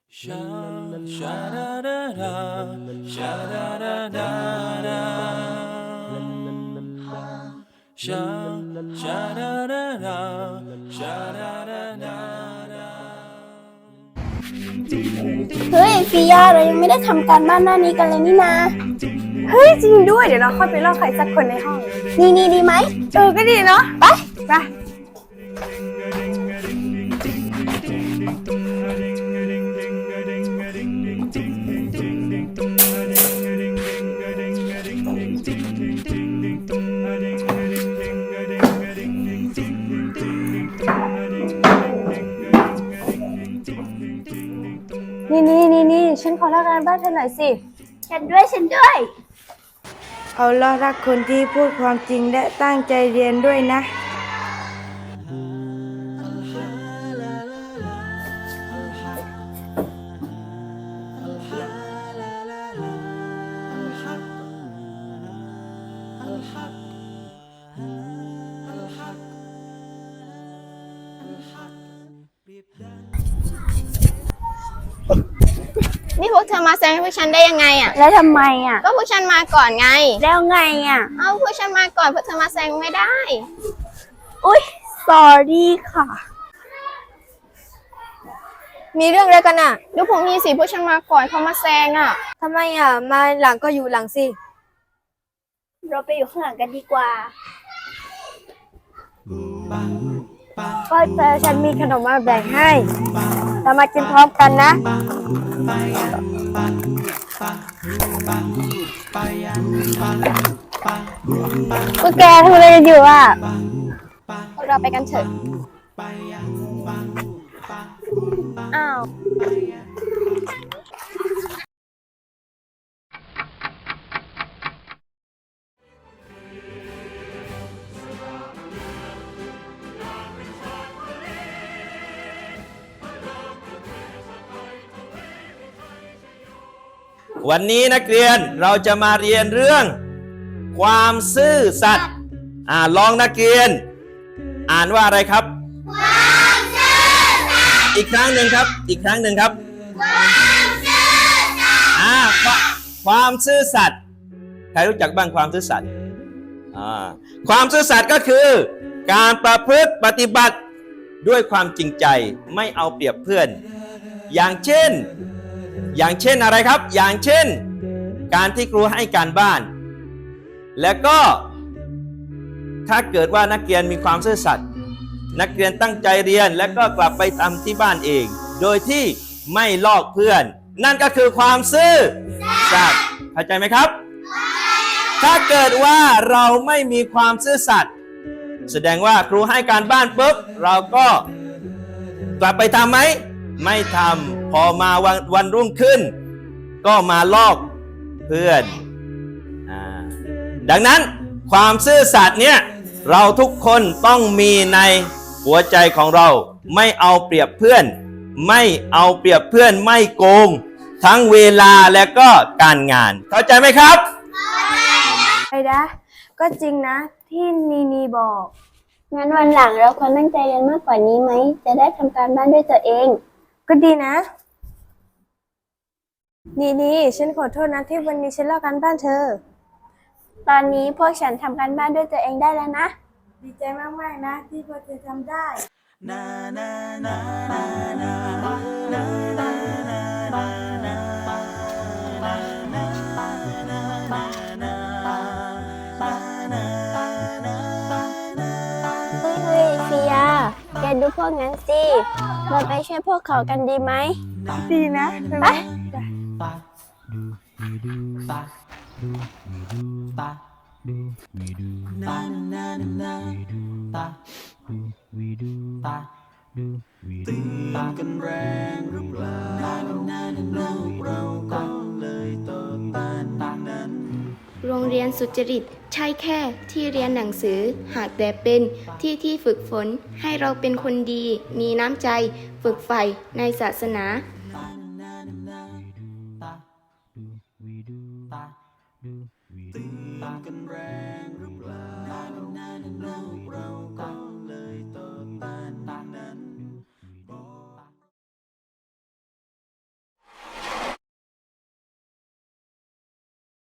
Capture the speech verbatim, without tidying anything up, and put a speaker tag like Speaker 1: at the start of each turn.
Speaker 1: Sha sha da da da, sha da da da da. Sha sha da da da, sha da da da da.
Speaker 2: เฮ้ยฟิยาเรายังไม่ได้ทำการบ้านหน้านี้กันเลยนี่นา
Speaker 3: เฮ้ยจริงด้วยเดี๋ยวเราค่อยไปลอกใครสักคนในห้อง
Speaker 2: นี่นี่ดีไหม
Speaker 3: เออก็ดีเนาะไปไปนี่นี่นี่นี่ฉันขอลอกการบ้านเธอหน่อยสิ
Speaker 2: ฉันด้วยฉันด้วย
Speaker 3: เอาล่ะรักคนที่พูดความจริงและตั้งใจเรียนด้วยนะ
Speaker 4: นี่พวกเธอมาแซงให้พวกฉันได้ยังไงอ่ะ
Speaker 2: แล้วทำไมอ่ะ
Speaker 4: ก็พวกฉันมาก่อนไง
Speaker 2: แล้วไงอ่ะ
Speaker 4: เอาพวกฉันมาก่อนพวกเธอมาแซงไม่ได้
Speaker 2: อุ๊ย sorry ค่ะ
Speaker 3: มีเรื่องอะไรกันอ่ะ
Speaker 4: ดูพวกนี้สิพวกฉันมาก่อนเขามาแซงอ่ะ
Speaker 3: ทำไมอ่ะมาหลังก็อยู่หลังสิ
Speaker 2: เราไปอยู่ข้างหลังกันดีกว่า
Speaker 3: ก็เธอฉันมีขนมมาแบ่งให้เรามากินพร้อมกันนะพวกแกทำอะไรกันอยู่อ่ะ
Speaker 4: พวกเราไปกันเถอะ
Speaker 3: อ้าว
Speaker 1: วันนี้นักเรียนเราจะมาเรียนเรื่องความซื่อสัตย์อ่าลองนักเรียน อ่านว่าอะไรครับความซื่อสัตย์อีกครั้งหนึ่งครับอีกครั้งหนึ่งครับความซื่อสัตย์อ่าความซื่อสัตย์ใครรู้จักบ้างความซื่อสัตย์อ่าความซื่อสัตย์ก็คือการประพฤติปฏิบัติด้วยความจริงใจไม่เอาเปรียบเพื่อนอย่างเช่นอย่างเช่นอะไรครับอย่างเช่นการที่ครูให้การบ้านแล้วก็ถ้าเกิดว่านักเรียนมีความซื่อสัตย์นักเรียนตั้งใจเรียนแล้วก็กลับไปทำที่บ้านเองโดยที่ไม่ลอกเพื่อนนั่นก็คือความซื่อสัตย์เข้าใจไหมครับถ้าเกิดว่าเราไม่มีความซื่อสัตย์แสดงว่าครูให้การบ้านปุ๊บเราก็กลับไปทำไหมไม่ทำพอมาวันวันรุ่งขึ้นก็มาลอกเพื่อนอ่าดังนั้นความซื่อสัตย์เนี่ยเราทุกคนต้องมีในหัวใจของเราไม่เอาเปรียบเพื่อนไม่เอาเปรียบเพื่อนไม่โกงทั้งเวลาและก็การงานเข้าใจไหมครับ
Speaker 3: ไอ้ดะก็จริงนะที่นีนีบอก
Speaker 2: งั้นวันหลังเราควรตั้งใจเรียนมากกว่านี้ไหม จะได้ทำการบ้านด้วยตัวเอง
Speaker 3: ก็ดีนะ นี่นี่ฉันขอโทษนะที่วันนี้ฉันลอกการบ้านเธอ
Speaker 2: ตอนนี้พวกฉันทำการบ้านด้วยตัวเองได้แล้วนะ
Speaker 3: ดีใจมากๆนะที่พวกเธอทำได้
Speaker 2: เฮ้ยเฮ้ยฟิยาแกดูพวกนั้นสิ เราไปช่วยพวกเขากันดีไหม
Speaker 3: ดีนะ
Speaker 2: ไป
Speaker 5: ตีกันแรงหรือเปล่าลูกเราก็เลยโตตานนั้น
Speaker 6: โรงเรียนสุจริตใช่แค่ที่เรียนหนังสือหากแต่เป็นที่ที่ฝึกฝนให้เราเป็นคนดีมีน้ำใจฝึกใฝ่ในศาสนา
Speaker 5: ตีกันแรง